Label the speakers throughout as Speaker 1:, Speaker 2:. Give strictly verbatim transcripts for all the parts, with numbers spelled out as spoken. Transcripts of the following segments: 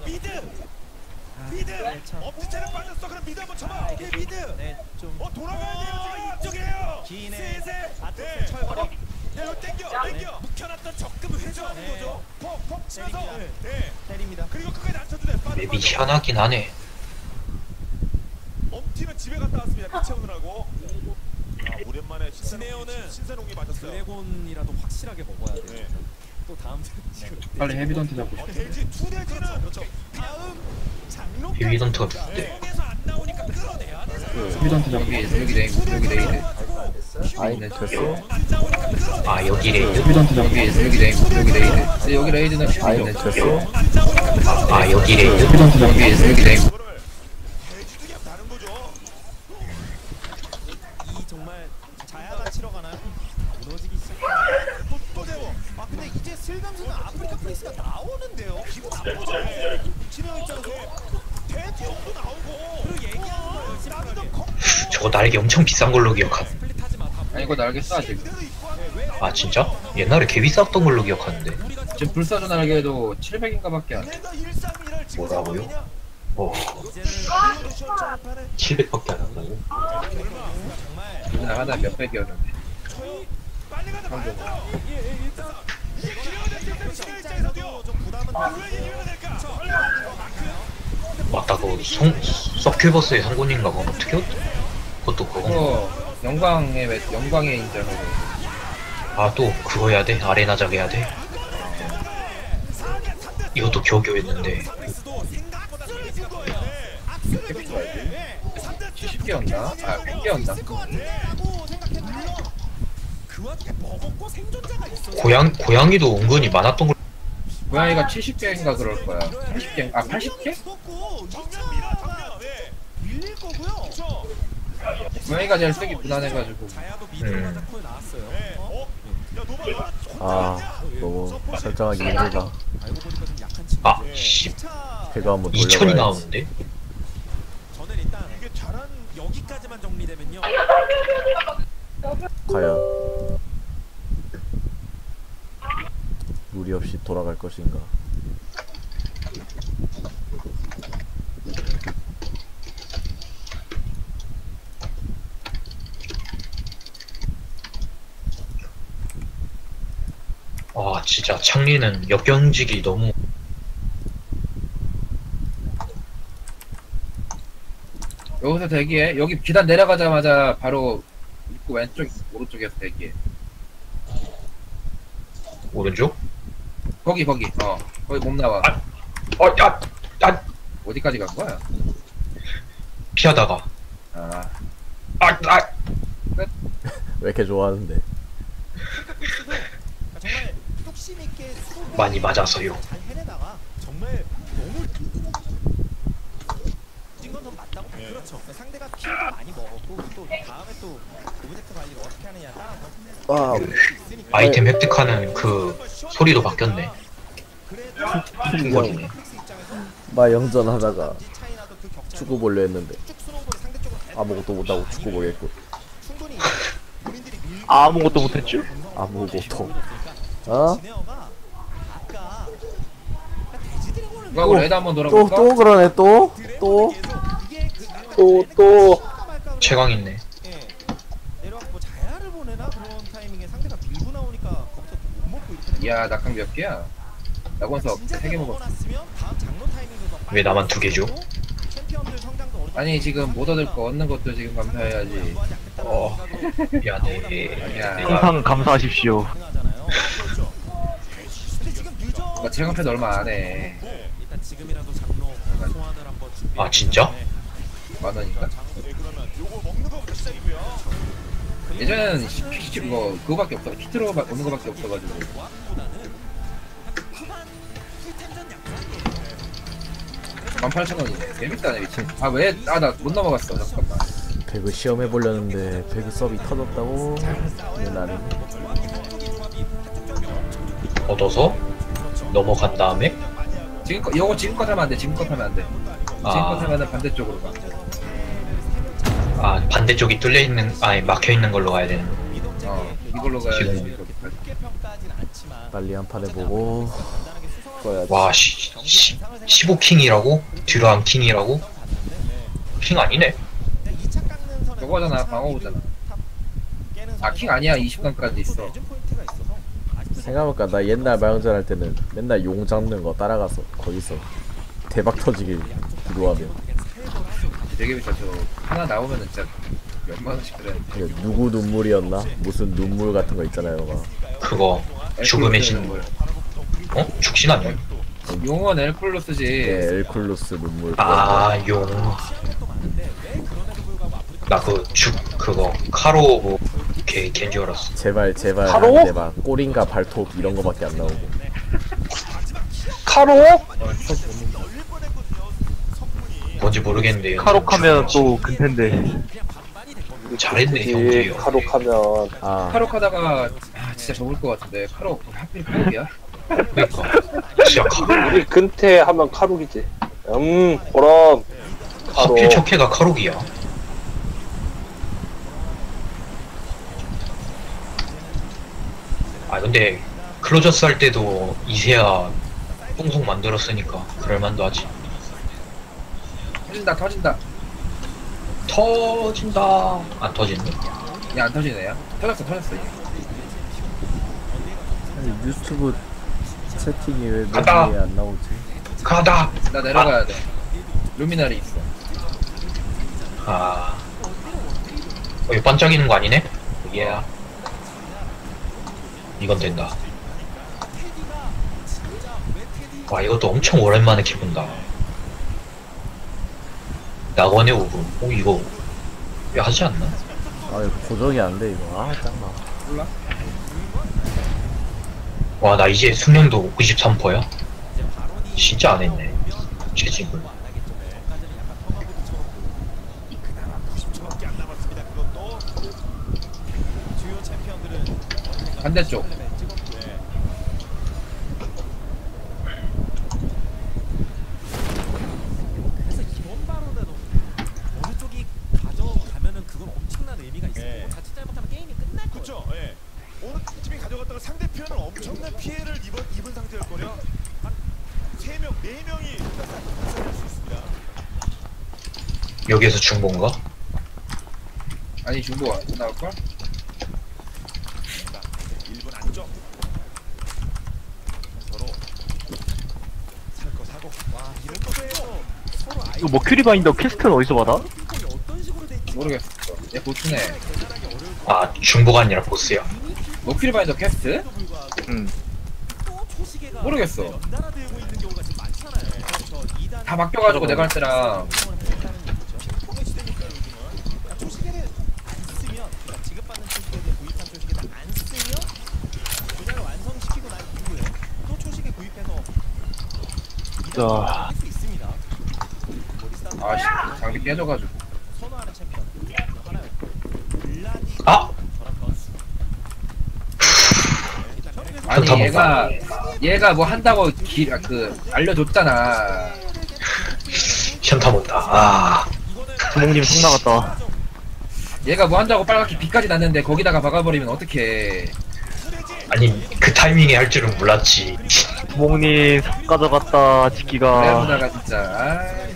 Speaker 1: 미드. 미드. 엄지체는 빠졌어. 그럼 미드 한번 쳐봐. 오케이 미드.
Speaker 2: 네, 좀
Speaker 1: 어 돌아가야 돼요. 지금 이쪽이에요.
Speaker 2: 기인의
Speaker 1: 슬슬.
Speaker 2: 아토스의
Speaker 1: 네.
Speaker 2: 철거력.
Speaker 1: 야 이거 땡겨. 땡겨. 묵혀놨던 적금을 회수하는
Speaker 2: 네.
Speaker 1: 거죠. 퍽퍽 치면서.
Speaker 2: 때립니다.
Speaker 1: 네.
Speaker 2: 때립니다.
Speaker 1: 그리고 끝까지 안 쳐도 돼. 빠르,
Speaker 3: 맵이
Speaker 1: 빠르.
Speaker 3: 희한하긴 하네.
Speaker 1: 엄티는 집에 갔다 왔습니다. 피 채우느라고. 아, 오랜만에
Speaker 2: 스네어는
Speaker 1: 신선홍이 맞았어요.
Speaker 2: 드래곤이라도 확실하게 먹어야 돼요.
Speaker 1: 네.
Speaker 2: 또 다음 지금
Speaker 4: 빨리 헤비던트 잡고
Speaker 1: 어,
Speaker 4: 싶어.
Speaker 1: 돼지 투 돼지는
Speaker 2: 그렇죠. 다음 장로
Speaker 3: 헤비던트가 좋대.
Speaker 1: 에서 안 나오니까 끌어내야 되잖아요.
Speaker 4: 헤비던트 잡고
Speaker 5: 여기 여기 레이 여기 레이드.
Speaker 6: 아이
Speaker 5: 네,
Speaker 6: 됐어.
Speaker 1: 안 나오니까 끌어내.
Speaker 3: 아 여기 레이드?
Speaker 4: 헤비던트 잡고
Speaker 5: 여기 여기 레이드 여기 레이드. 근데 여기 레이드는
Speaker 6: 아이
Speaker 5: 쉽죠.
Speaker 6: 됐어.
Speaker 1: 안 나오니까 끌어내.
Speaker 3: 아 여기 레이드?
Speaker 4: 헤비던트 잡고
Speaker 5: 여기 여기 레이드.
Speaker 1: 이거를 돼지도 그냥 다른 거죠.
Speaker 2: 이 정말 자야가 치러 가나요? 무너지기 시작.
Speaker 1: 또, 또 세워.
Speaker 2: 아 근데 이제 슬감수는 아프리카 프리스가 나오는데요. 기분 나쁘죠. 진영 입장에서
Speaker 1: 돼지용도 나오고.
Speaker 2: 그리고 얘기하는 거예요.
Speaker 1: 나도
Speaker 2: 심플하게.
Speaker 1: 컸고.
Speaker 3: 저거 날개 엄청 비싼 걸로 기억하네.
Speaker 2: 스플릿하지 마. 다
Speaker 5: 아니 이거 날개 쏴 지금.
Speaker 1: 그대로 입고 하는
Speaker 3: 아 진짜? 옛날에 개 비쌌던 걸로 기억하는데.
Speaker 2: 우리가
Speaker 5: 지금 불사조 날개도 칠백인가밖에 안 돼.
Speaker 1: 얘네가 일삼일을 지금
Speaker 3: 뭐라고요?
Speaker 1: 상황이냐?
Speaker 3: 어
Speaker 2: 이제는
Speaker 1: 리오데시오 전판에
Speaker 3: 칠백밖에 안 한다고?
Speaker 1: 얼마?
Speaker 2: 정말
Speaker 5: 그날 하나 몇백이었는데.
Speaker 1: 빨리 가자 말고.
Speaker 2: 예, 예, 일단
Speaker 1: 리오데시오 시내 입장에서도요.
Speaker 2: 좀 부담은
Speaker 1: 왜 이기면 될까?
Speaker 3: 맞다 그거 송.. 서큐버스의 상군인가 그건 어떻게 했- 그것도 그거
Speaker 5: 그거 영광의 매- 영광의 인정으로.
Speaker 3: 아 또 그거 해야 돼? 아레나작 해야 돼? 이것도 겨우겨우 했는데
Speaker 2: 프리스도 생각보다 잘 생각 거예요.
Speaker 5: 칠십 개였나? 아 백 개였나?
Speaker 2: 있을 것 같은데라고 생각했는데 그 와중에 먹었고 생존자가 있어.
Speaker 3: 고양.. 고양이도 은근히 많았던 걸
Speaker 5: 고양이가 칠십 개인가 그럴 거야. 팔십 개? 아 팔십 개?
Speaker 2: 죽었고
Speaker 1: 정면 밀어 정면. 왜?
Speaker 2: 밀릴 거고요.
Speaker 1: 저.
Speaker 5: 고양이가 제일 쓰기 무난해가지고.
Speaker 2: 자야도 미드로
Speaker 3: 음.
Speaker 2: 가자 콜 나왔어요.
Speaker 1: 네.
Speaker 2: 어?
Speaker 1: 어? 야 노바
Speaker 6: 아 너무 설정하기 힘들다.
Speaker 2: 알고 보니까 좀 약한 친구.
Speaker 3: 아 씨..
Speaker 2: 차
Speaker 6: 배가 한번
Speaker 3: 이천이
Speaker 6: 돌려봐야지.
Speaker 3: 나오는데?
Speaker 2: 저는 일단
Speaker 1: 이게 잘한
Speaker 2: 여기까지만 정리되면요.
Speaker 6: 과연 무리 없이 돌아갈 것인가?
Speaker 3: 아 진짜 창리는 역경직이 너무
Speaker 5: 여기서 대기해. 여기 계단 내려가자마자 바로 입구 왼쪽 오른쪽에서 대기해.
Speaker 3: 오른쪽?
Speaker 5: 거기 거기. 어 거기 몸 나와.
Speaker 3: 어 야! 야!
Speaker 5: 어디까지 간 거야?
Speaker 3: 피하다가
Speaker 5: 아
Speaker 3: 아! 아!
Speaker 6: 왜 이렇게 좋아하는데?
Speaker 2: 정말 뚝심 있게 수고
Speaker 3: 많이 맞아서요.
Speaker 2: 잘 해내다가 정말 너무 찐건좀 맞다고.
Speaker 1: 예.
Speaker 2: 그렇죠. 상대가 킬도 많이 먹었고 또 다음에 또 오브젝트 관리를 어떻게 하느냐 따라서
Speaker 6: 아
Speaker 2: 있으니까.
Speaker 3: 아이템 획득하는 그 소리도 바뀌었네.
Speaker 2: 그래도
Speaker 3: 중거리네.
Speaker 2: 프릭스 입장에서
Speaker 6: 마 영전하다가
Speaker 2: 차이나도 그 격차를
Speaker 6: 축구 보려 했는데
Speaker 2: 쭉 스노우볼을 상대 쪽으로 잘
Speaker 6: 아무것도 못하고 축구 보겠고.
Speaker 2: 충분히 본인들이 밀고
Speaker 7: 아무것도 못했죠?
Speaker 6: 아무것도. 어?
Speaker 2: 지네어가 아까 돼지 드래곤을
Speaker 5: 누가 그 레드 한번
Speaker 6: 또
Speaker 5: 돌아볼까?
Speaker 6: 또 그러네 또? 또?
Speaker 2: 이게 그
Speaker 7: 또, 또.
Speaker 3: 최강 있네.
Speaker 2: 예. 내려왔고 자야를 보내나 그런 타이밍에 상대가 밀고 나오니까 거기서 못 먹고 이렇게
Speaker 5: 야 낙항 몇 개야? 낙원석 세 개 먹었어.
Speaker 2: 먹어놨으면 다음 장로 타이밍도 더
Speaker 3: 왜 나만 두
Speaker 2: 빨리
Speaker 3: 개죠?
Speaker 2: 나오고 챔피언들 성장도 어느 정도
Speaker 5: 아니 지금 못 얻을 거 얻는 것도 지금 감사해야지.
Speaker 3: 어 미안해.
Speaker 5: 야.
Speaker 3: 내가
Speaker 7: 항상 감사하십시오.
Speaker 2: 가능하잖아요. 그렇죠. 근데 지금 늦어.
Speaker 5: 나 체감패도 얼마 안 해.
Speaker 2: 일단 지금이라도 장로 소환을 한번 준비.
Speaker 3: 아, 진짜?
Speaker 5: 만 원인가?
Speaker 1: 네, 그러면 요거 먹는 거부터 시작이고요.
Speaker 5: 예전에는 피 뭐 그거밖에 없어. 키트로 바- 오는 거밖에 없어가지고. 만 팔천 원이 재밌다네 미친. 아 왜? 아 나 못 넘어갔어. 잠깐만.
Speaker 6: 배그 시험해 보려는데 배그 서비 터졌다고? 근데 나는
Speaker 3: 얻어서 넘어간 다음에
Speaker 5: 지금껏 이거 지금껏 하면 안 돼. 지금껏 하면 안 돼. 지금껏
Speaker 3: 아,
Speaker 5: 하면은 반대쪽으로 가.
Speaker 3: 아 반대쪽이 뚫려 있는 아니 막혀 있는 걸로 가야 되는.
Speaker 5: 어. 이걸로 가야 돼.
Speaker 3: 지금.
Speaker 5: 이거.
Speaker 2: 높게 평가하진 않지만
Speaker 6: 빨리 한 판 해보고
Speaker 2: 간단하게 수성을
Speaker 6: 그거야지.
Speaker 3: 와, 시, 시, 십오 킹이라고? 듀란 킹이라고? 킹 아니네.
Speaker 2: 그냥 이 차 깎는 선에서
Speaker 5: 저거잖아,
Speaker 2: 이 차
Speaker 5: 방어구잖아.
Speaker 2: 탑 깨는
Speaker 5: 아, 킹 아니야. 이십 강까지 있어.
Speaker 2: 내준 포인트가 있어서 아직도
Speaker 6: 생각해보니까 나 옛날 마영전 할 때는 맨날 용 잡는 거 따라가서 거기서 대박 터지길 기도하며
Speaker 5: 되게 비싸. 저 하나 나오면은 진짜 몇만 원씩 그랬는데.
Speaker 6: 이게 누구 눈물이었나? 무슨 눈물 같은 거 있잖아요 막
Speaker 3: 그거, 죽음의 신. 어? 죽신 아니야?
Speaker 5: 용은 엘플로스지.
Speaker 6: 네, 엘쿨루스 눈물
Speaker 3: 아, 용.
Speaker 2: 시간도 많은데 왜 그럼에도 불구하고 아프리카
Speaker 3: 나 그 죽, 그거, 카로 뭐, 걔, 걔인 줄 알았어.
Speaker 6: 제발 제발
Speaker 7: 바로?
Speaker 6: 하는데 막 꼬린가 발톱 이런 거밖에 안 나오고
Speaker 7: 카로?
Speaker 3: 뭔지 모르겠는데.
Speaker 7: 카록하면 또 근태인데.
Speaker 3: 잘했네,
Speaker 4: 그치,
Speaker 3: 형제요.
Speaker 4: 카록하면
Speaker 6: 아
Speaker 5: 카록 하다가 아, 진짜 접을 것 같은데. 카록 하필 카록이야?
Speaker 3: 그니까. 진짜 카,
Speaker 4: 우리 근태 하면 카록이지. 음 그럼 카록.
Speaker 3: 하필 척해가 카록이야. 아, 근데, 클로저스 할 때도 이세야 뽕송 만들었으니까, 그럴만도 하지.
Speaker 5: 터진다 터진다.
Speaker 3: 터진다. 안 터지네.
Speaker 5: 야 안 터지네. 야 터졌어 터졌어. 이게.
Speaker 6: 아니, 유튜브 채팅이 왜
Speaker 3: 간다.
Speaker 6: 메뉴에 안 나오지?
Speaker 3: 가다!
Speaker 5: 나 내려가야 돼. 루미나리 있어.
Speaker 3: 아. 어, 이거 반짝이는 거 아니네? 예. 이건 된다. 와, 이것도 엄청 오랜만에 키운다. 낙원의 오브. 오, 이거 왜 하지 않나?
Speaker 6: 아 이거 고정이 안 돼 이거 아 짱나
Speaker 5: 몰라?
Speaker 3: 와, 나 이제 숙련도 구십삼 퍼센트야? 진짜 안 했네. 최진글.
Speaker 1: 초밖에 안 남았습니다. 그것도
Speaker 2: 주요 챔피언들은
Speaker 5: 반대쪽.
Speaker 2: 그래서 이번 발언에도 어느 쪽이 가져가면은 그건 엄청난 의미가 있어요.
Speaker 1: 네.
Speaker 2: 자칫 잘못하면 게임이 끝날 거예요.
Speaker 1: 그렇죠. 예. 어느 팀이 가져갔다가 상대편은 엄청난 피해를 입은, 입은 상태일 거려. 한세 명, 네 명이 발생할 수 있습니다.
Speaker 3: 여기에서 중본가?
Speaker 5: 아니 중고 나올걸?
Speaker 1: 일 분 안쪽. 서로 살 거 사고. 와, 이런 거에서
Speaker 2: 서로 아이
Speaker 7: 이거 머큐리 바인더 퀘스트는 어디서 받아?
Speaker 2: 핑퐁이 어떤 식으로 될지
Speaker 5: 모르겠어. 얘 보추네.
Speaker 2: 계산하기 어려울
Speaker 3: 아, 중보가 아니라 보스야.
Speaker 5: 머큐리 바인더 퀘스트?
Speaker 7: 응.
Speaker 2: 또 초시계가
Speaker 5: 모르겠어.
Speaker 2: 연달아 들고 있는 경우가 지금 많잖아요. 그렇죠. 이 단
Speaker 5: 다 바뀌어가지고 내가 할 때랑
Speaker 2: 핑퐁의 시대니까 요즘은 그러니까 초시계를 안 쓰면 그러니까 지급받는 초시계에 구입한 초시계를 안 쓰면 분야를 완성시키고 난 이후에 또 초시계 구입해서
Speaker 7: 자.
Speaker 2: 할 수 있습니다. 머리싸움
Speaker 5: 아씨 장비 깨져가지고.
Speaker 2: 선호하는 챔피언 하나였고 블라디
Speaker 3: 아!
Speaker 2: 저랑 건수
Speaker 5: 아니
Speaker 3: 좋다,
Speaker 5: 얘가 얘가 뭐 한다고 기, 아, 그 알려줬잖아.
Speaker 3: 현타 못다. 아.
Speaker 7: 두목님 속 나갔다.
Speaker 5: 얘가 뭐 한다고 빨갛게 빛까지 났는데 거기다가 박아버리면 어떡해.
Speaker 3: 아니, 그 타이밍에 할 줄은 몰랐지.
Speaker 7: 두목님 속 가져갔다. 지키가.
Speaker 5: 레오나가 진짜. 아이.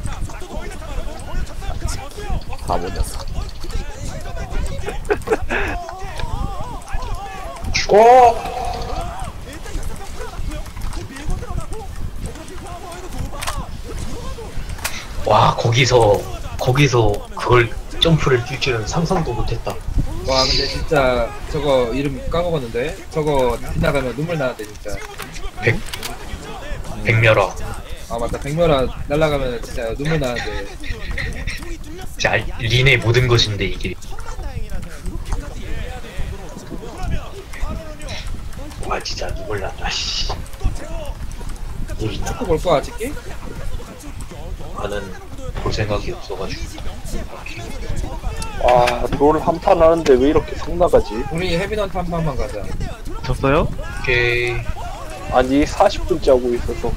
Speaker 6: 바보 녀석
Speaker 3: 죽어! 와, 거기서, 거기서 그걸 점프를 뛸 줄은 상상도 못했다.
Speaker 5: 와 근데 진짜 저거 이름 까먹었는데 저거 지나가면 눈물 나는데 진짜.
Speaker 3: 백, 백멸아.
Speaker 5: 아 맞다 백멸아 날라가면 진짜 눈물 나는데.
Speaker 3: 진짜 린의 모든 것인데, 이게. 와, 진짜 눈물 난다, 씨. 이
Speaker 5: 축구 볼 거야 찍기?
Speaker 3: 나는 볼 생각이 없어가지고.
Speaker 4: 아롤 한 판 하는데 왜 이렇게 속 나가지?
Speaker 5: 우리 헤비넌트 한 판만 가자.
Speaker 7: 졌어요?
Speaker 3: 오케이.
Speaker 4: 아니 사십 분째 하고 있어서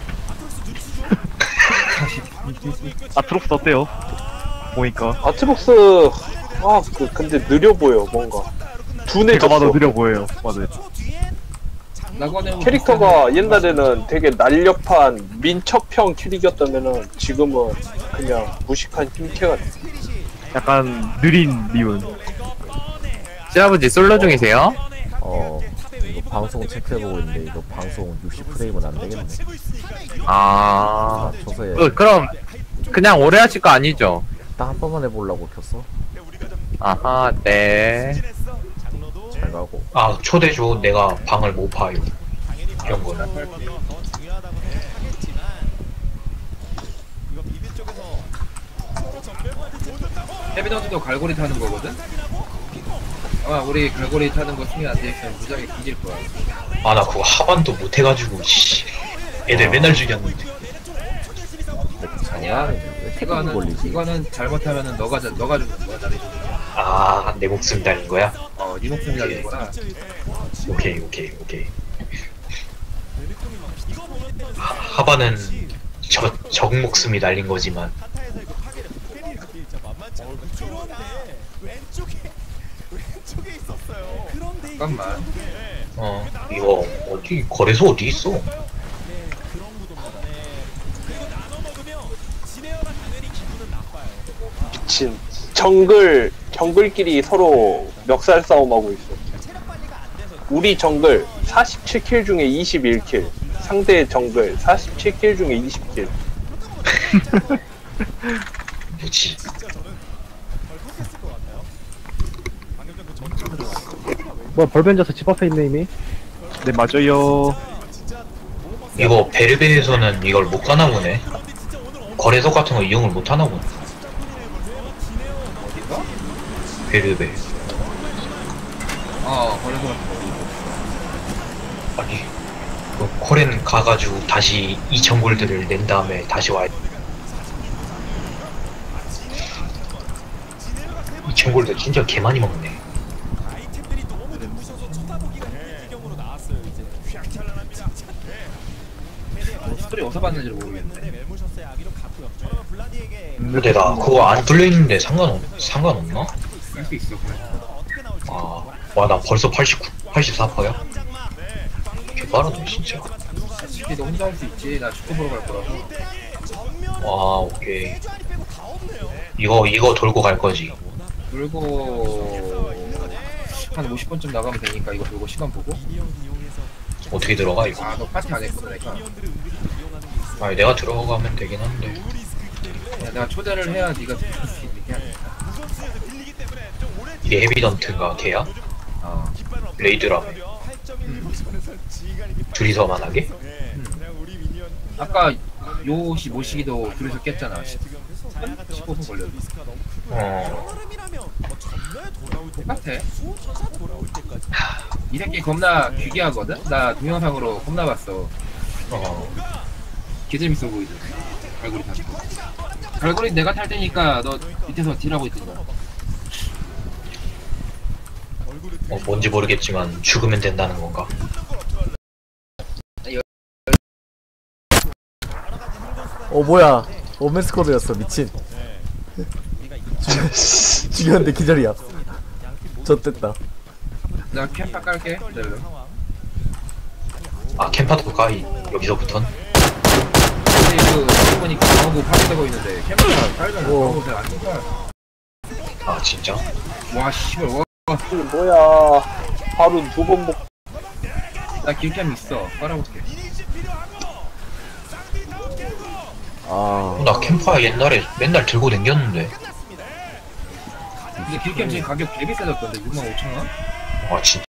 Speaker 7: 아트록스 어때요? 보니까.
Speaker 4: 아트복스 아 그 근데 느려 보여 뭔가 둔해졌어.
Speaker 7: 제가 봐도 느려 보여요. 맞아요.
Speaker 5: 나고는
Speaker 4: 캐릭터가 옛날에는 되게 날렵한 민첩형 캐릭이었다면은 지금은 그냥 무식한 힘캐가 됐어.
Speaker 7: 약간 느린 리운.
Speaker 8: 시아버지 솔로 중이세요?
Speaker 6: 어 이거 방송 체크해보고 있는데 이거 방송 육십 프레임은 안 되겠네.
Speaker 8: 아,
Speaker 6: 아 저서에
Speaker 8: 그, 그럼 그냥 오래 하실 거 아니죠?
Speaker 6: 딱 한 번만 해보려고 켰어.
Speaker 8: 아하, 네.
Speaker 6: 잘 가고.
Speaker 3: 아 초대 줘. 내가 방을 못 파요. 이런 거는.
Speaker 2: 더 중요하다고 생각하겠지만 이거 비비 쪽에서
Speaker 5: 헤비너즈도 갈고리 타는 거거든? 아마 우리 갈고리 타는 거 승인 안 돼있으면 무지하게 뒤질 거야.
Speaker 3: 아 나 그거 하반도 못 해가지고 씨. 애들 맨날 죽였는데.
Speaker 5: 아니야.
Speaker 6: 왜 태클이
Speaker 5: 이거는,
Speaker 6: 걸리지?
Speaker 5: 이거는 잘못하면은 너가, 자- 너가 죽는 거야, 나를 죽는 거야.
Speaker 3: 아 내 목숨 달린 거야?
Speaker 5: 어, 네 목숨이 달린 거라.
Speaker 3: 오케이 오케이 오케이. 하, 하반은 저, 적 목숨이 달린 거지만
Speaker 2: 타타에서 이거 파괴를 페리가 진짜 만만치 않은 그런데 왼쪽에 왼쪽에 있었어요. 그런데
Speaker 5: 잠깐만.
Speaker 3: 어 이거 어디 거래소 어디 있어?
Speaker 2: 네, 그런 구도입니다. 네. 그리고 나눠 먹으면 지네어가 당연히 기분은 나빠요.
Speaker 4: 미친. 정글 정글끼리 서로 멱살 싸움하고 있어.
Speaker 2: 체력 관리가 안 돼서
Speaker 4: 우리 정글 사십칠 킬 중에 이십일 킬. 상대 정글 사십칠 킬 중에 이십 킬.
Speaker 3: 뭐지?
Speaker 2: 진짜 저는 덜컥했을 것 같아요. 방금 전그 전투
Speaker 7: 뭐 벌벤져서 집 앞에 있네 이미. 네 맞아요.
Speaker 3: 이거 베르베에서는 이걸 못 가나 보네. 거래소 같은 거 이용을 못 하나 보네.
Speaker 5: 어디가?
Speaker 3: 베르베.
Speaker 5: 어, 거래소 같은 거.
Speaker 3: 아니 그 코렌 가가지고 다시 이천 골드를 낸 다음에 다시 와야 돼. 이천 골드 진짜 개 많이 먹네.
Speaker 2: 아이템들이 너무 눈부셔서 쳐다보기가 힘든 지경으로 나왔어요. 이제 휘황찬란합니다.
Speaker 5: 뭐 스토리 어디서 봤는지를 모르겠네.
Speaker 2: 멜모셔스의 아기로 갔고요. 그러면 블라디에게
Speaker 3: 근데 나 그거 안 뚫려있는데 상관없, 상관없나?
Speaker 5: 할 수 있어, 그래.
Speaker 2: 어떻게 나올지
Speaker 3: 아, 와, 나 벌써 팔십구, 팔십사 퍼센트야? 개빠르네, 진짜.
Speaker 5: 솔직히 너 혼자 할 수 있지. 나 축구 보러 갈 거라고.
Speaker 3: 와, 오케이. 이거, 이거 돌고 갈 거지.
Speaker 5: 돌고 한 오십 분쯤 나가면 되니까 이거 돌고 시간 보고.
Speaker 3: 어떻게 들어가, 이거?
Speaker 5: 아, 너 파티 안 했구나, 내가.
Speaker 3: 아니, 내가 들어가면 되긴 한데.
Speaker 5: 야, 내가 초대를 해야 네가 들을 수 있게 하니까.
Speaker 3: 이게 헤비던트가 걔야?
Speaker 5: 어.
Speaker 3: 레이드라며. 둘이서만 하게?
Speaker 5: 아까 요시 모시기도 둘이서 깼잖아. 십오 분 걸렸어.
Speaker 3: 어,
Speaker 5: 똑같아. 이 새끼 겁나 귀기하거든? 나 동영상으로 겁나 봤어.
Speaker 3: 어.
Speaker 5: 개 재밌어 보이지? 갈고리 타는 거. 갈고리 내가 탈 테니까 너 밑에서 딜하고 있던가.
Speaker 3: 어, 뭔지 모르겠지만 죽으면 된다는 건가?
Speaker 6: 어 뭐야? 오멘스쿼드였어 미친. 죽- 죽였는데 기절이야. 젖됐다.
Speaker 5: 나 캠파 깔게. 기다려.
Speaker 3: 아, 캠파도 까이. 여기서부턴?
Speaker 5: 근데 그 여기 보니까 방어구 파괴되고 있는데 캠파가 깔잖아.
Speaker 6: 오.
Speaker 5: 방어구 잘안 쓴다.
Speaker 3: 아, 진짜?
Speaker 5: 와 씨발 와.
Speaker 4: 이게 뭐야? 하루 두 번 먹.
Speaker 5: 나 길캠 있어. 깔아볼게.
Speaker 6: 아
Speaker 3: 나 캠파 옛날에 맨날 들고 댕겼는데.
Speaker 5: 근데 길캠 지금 가격 되게 비싸졌던데 육만 오천 원?
Speaker 3: 아, 진짜?